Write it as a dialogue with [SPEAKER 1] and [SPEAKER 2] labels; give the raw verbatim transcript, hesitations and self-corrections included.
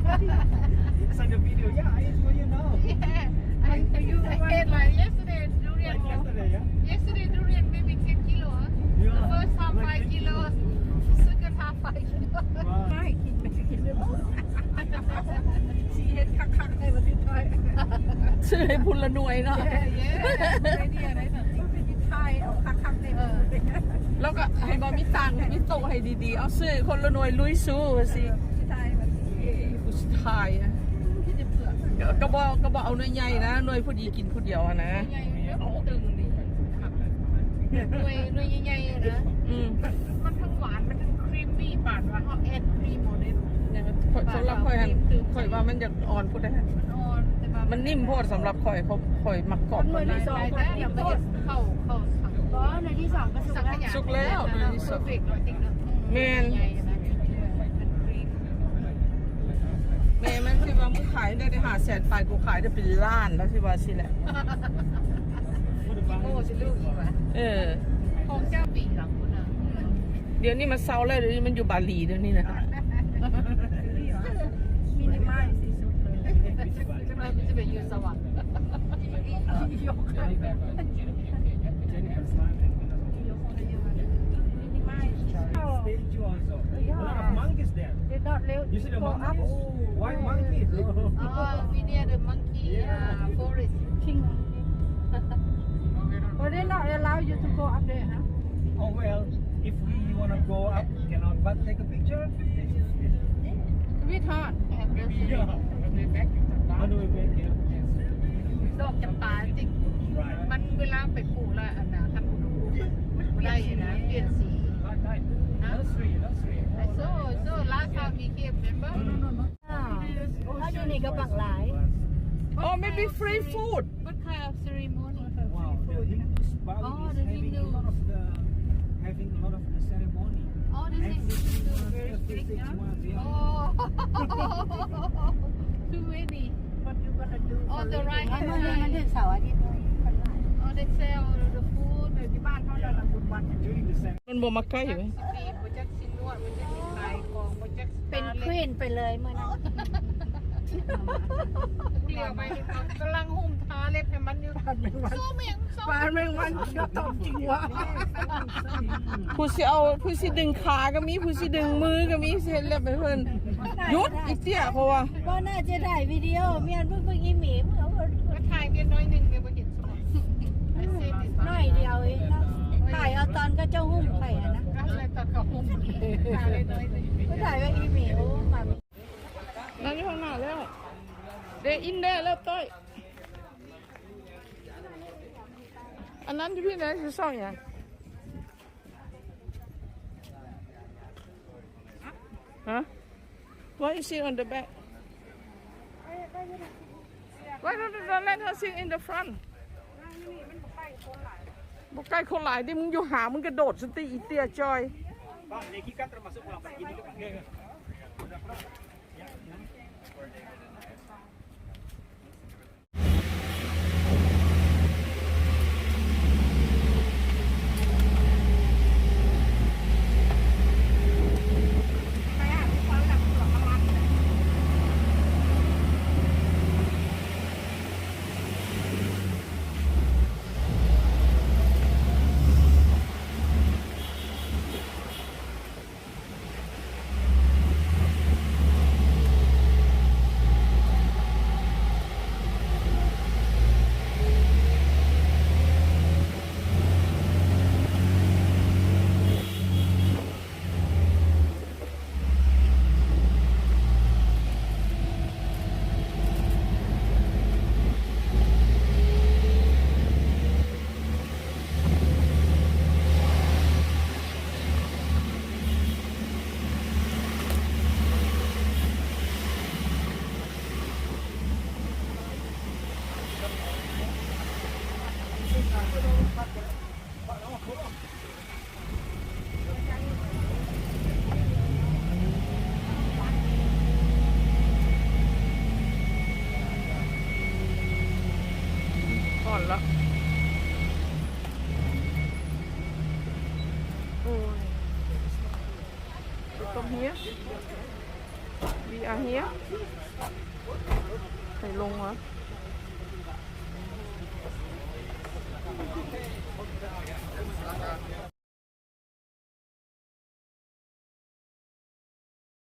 [SPEAKER 1] It's like a video. Yeah, I for you now.
[SPEAKER 2] Yeah, I for you. I ate like yesterday durian.
[SPEAKER 1] Like yesterday, yeah.
[SPEAKER 2] Yesterday durian maybe ten kilo. Huh?
[SPEAKER 1] Yeah.
[SPEAKER 2] The first half
[SPEAKER 1] Like
[SPEAKER 2] five
[SPEAKER 1] ten
[SPEAKER 2] kilos. Second half five kilos.
[SPEAKER 1] Wow.
[SPEAKER 3] ไม่กินไม่กินเลยชีเฮ็ดคักๆในประเทศไทย
[SPEAKER 4] ซื้อให้พุนละหน่วยเนาะ
[SPEAKER 2] Yeah, yeah.
[SPEAKER 3] ไอเดียอะไรแบบนี้ประเทศไทยเอาคักๆในประเทศไทย
[SPEAKER 4] แล้วก็ให้บอมีตังค์มีโตะให้ดีๆ เอาซื้อคนละหน่วยลุยสู้สิ
[SPEAKER 3] ไทยแบบนี้
[SPEAKER 4] เอ้ยผู้ชายอะ
[SPEAKER 3] ที่จะเปลือก
[SPEAKER 4] กระบอกกระบอกเอาหน่วยใหญ่นะหน่วยผู้ดีกินผู้เดียวอะนะ
[SPEAKER 2] ใหญ่ๆแล้วตึงดิหน่วยหน่วยใหญ่ๆนะ
[SPEAKER 4] อืม
[SPEAKER 2] มันทั้งหวานมันทั้งครีมมี่ปาดว่าเขาแอดครีมหมดเลย
[SPEAKER 4] ข่อยสำหรับข่อยหันข่อยว่ามันอยากอ่อนพูดได้
[SPEAKER 2] มันอ่อนแต่ว่า
[SPEAKER 4] มันนิ่มโพดสำหรับข่อยเขาข่อยมักกรอบ
[SPEAKER 3] หน่วย
[SPEAKER 4] มัน
[SPEAKER 3] ที่สอง
[SPEAKER 2] ได้
[SPEAKER 3] คน
[SPEAKER 2] ได้
[SPEAKER 3] ที่
[SPEAKER 2] เดี๋ยวมัน
[SPEAKER 3] โคต
[SPEAKER 2] จะ
[SPEAKER 3] ร
[SPEAKER 2] เข้าเข้าสัง
[SPEAKER 3] อ๋อหน่วยที่สองก็สุก
[SPEAKER 2] สังข
[SPEAKER 3] แล้ว
[SPEAKER 2] ยา
[SPEAKER 4] สุกแล้วหน่วยที่สอง
[SPEAKER 2] เพอร์เฟกต์ร้อยติ๊กนะ
[SPEAKER 4] แม่น
[SPEAKER 2] ใหญ่ๆนะเป็นครีม
[SPEAKER 4] แม่มันที่ว่ามึงขายได้ได้หาแสนปลายกูขายได้เป็นล้านแล้วที่ว่าสิแหละ
[SPEAKER 2] โอ้จะลูกอีกวะ
[SPEAKER 4] เออ
[SPEAKER 2] ของเจ้าปีหลังคุณอ่ะ
[SPEAKER 4] เดี๋ยวนี้มันเซาแล้วเดี๋ยวนี้มันอยู่บาหลีเดี๋ยวนี้นะ
[SPEAKER 3] มีในไม้สีสุดเลย
[SPEAKER 2] จะมาจะไปยืนสวรรค์
[SPEAKER 3] ยกขึ้นแบบ
[SPEAKER 1] Stage you also. A lot of monkeys there.
[SPEAKER 3] เดี๋ยวเร็ว
[SPEAKER 1] You see the
[SPEAKER 3] โกอัพ
[SPEAKER 1] monkeys? White monkeys.
[SPEAKER 2] อ๋อวิเนียเดอะมังคีฟอเรสต์
[SPEAKER 3] ชิงวันนี้ not allow you to go up there ฮะ
[SPEAKER 1] Oh well, if we wanna go up, cannot but take a picture.
[SPEAKER 3] วิทอน
[SPEAKER 1] Yeah. On the way back here.
[SPEAKER 2] ดอกจำปาจริง
[SPEAKER 1] Right.
[SPEAKER 2] มันเวลาไปปลูกแล้วอันนะคันอุณหภูมิมันได้นะเปลี่ยนสี
[SPEAKER 1] Nursery, nursery.
[SPEAKER 2] I saw so last time we came remember
[SPEAKER 3] ถ้าอยู่นี่ก็บักหลาย
[SPEAKER 4] Oh maybe free food
[SPEAKER 2] what kind of ceremony
[SPEAKER 1] Wow, the Hindus Bali
[SPEAKER 2] Oh,
[SPEAKER 1] is
[SPEAKER 2] the
[SPEAKER 1] having
[SPEAKER 2] Hindu.
[SPEAKER 1] a lot of the having a lot of the ceremony.
[SPEAKER 2] oh this is
[SPEAKER 1] Every
[SPEAKER 2] very
[SPEAKER 1] every
[SPEAKER 2] strict
[SPEAKER 1] six
[SPEAKER 2] huh?
[SPEAKER 1] months, yeah.
[SPEAKER 2] oh too many on the right
[SPEAKER 3] มัน
[SPEAKER 2] hand
[SPEAKER 3] มัน
[SPEAKER 2] side
[SPEAKER 3] ถึงเสาร์อาทิตย์เลยคนหลาย
[SPEAKER 2] oh they sell the food
[SPEAKER 3] ในที่บ้านเขาเราละบุญวัน
[SPEAKER 1] During the ceremony.
[SPEAKER 4] มันบ่มาใกล้ไหม
[SPEAKER 2] สิปีโปรเจกต์สินวดโปรเจกต์สินขายของโปรเจกต์
[SPEAKER 3] เป็นควีนไปเลยเมื่อนั้น
[SPEAKER 2] เดียวไปกำลังหุ่มทาเล็บให้มันอยู่สู้เมียงสู้
[SPEAKER 3] ปานแมงวันก็ตอบจริงวะ
[SPEAKER 4] ผู้สิเอาผู้สิดึงขาก็มีผู้สิดึงมือก็มีสิเฮ็ดเล็บให้เพิ่นหยุดอีเตี้ยเพราะว่า
[SPEAKER 3] ก็น่าจะได้วิดีโอเมียนเพิ่งเพิ่งอีหมีเมื่อวัน
[SPEAKER 2] ก็ถ่ายเพียงน้อยหนึ่งเดียวไปเห็นสมอง
[SPEAKER 3] น้อยเดียวเองนะถ่ายเอาตอนก็เจ้าหุ้มไข่นะ
[SPEAKER 2] ก็เลยตัดกับหุ่มถ่ายเลยน้อยหนึ่ง
[SPEAKER 3] ก็ถ่ายว่าอีหมีโอ้มา
[SPEAKER 4] นั่นอยู่ข้างหน้าแล้วเดอินเดแล้วต้อยอันนั้นอยู่ที่ไหนคือซ่องอย่างฮะ Why you sit on the back Why don't you let her sit in the front บอกใกล้คนหลายดิมึงอยู่หามึงกระโดดสติอีเตียจอย
[SPEAKER 1] Pak, Neki kan termasuk pulang pergi dulu Pak. Ya, ya. Ya,
[SPEAKER 4] ก่อนละโอ้ยตรงนี้ we are here ใส่ลงวะ